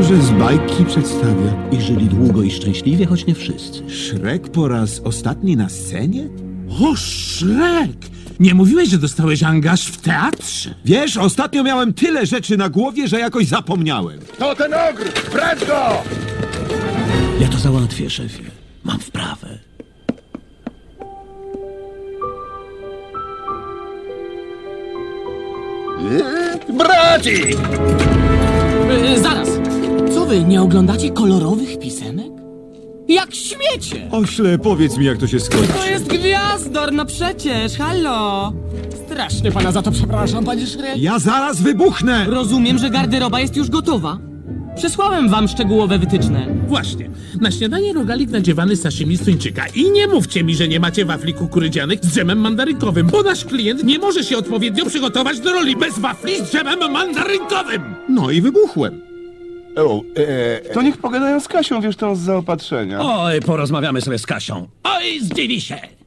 że z bajki przedstawia. I żyli długo i szczęśliwie, choć nie wszyscy. Shrek po raz ostatni na scenie? O, Shrek! Nie mówiłeś, że dostałeś angaż w teatrze? Wiesz, ostatnio miałem tyle rzeczy na głowie, że jakoś zapomniałem. To ten ogr! Brać go! Ja to załatwię, szefie. Mam wprawę. Braci! Zaraz! Co wy, nie oglądacie kolorowych pisemek? Jak śmiecie! Ośle, powiedz mi, jak to się skończy. To jest gwiazdor, no przecież, halo! Strasznie pana za to przepraszam, panie Szrek. Ja zaraz wybuchnę! Rozumiem, że garderoba jest już gotowa. Przesłałem wam szczegółowe wytyczne. Właśnie. Na śniadanie rogalik nadziewany z sashimi z tuńczyka. I nie mówcie mi, że nie macie wafli kukurydzianych z dżemem mandarynkowym, bo nasz klient nie może się odpowiednio przygotować do roli bez wafli z dżemem mandarynkowym. No i wybuchłem. To niech pogadają z Kasią, wiesz, tą z zaopatrzenia. Oj, porozmawiamy sobie z Kasią. Oj, zdziwi się.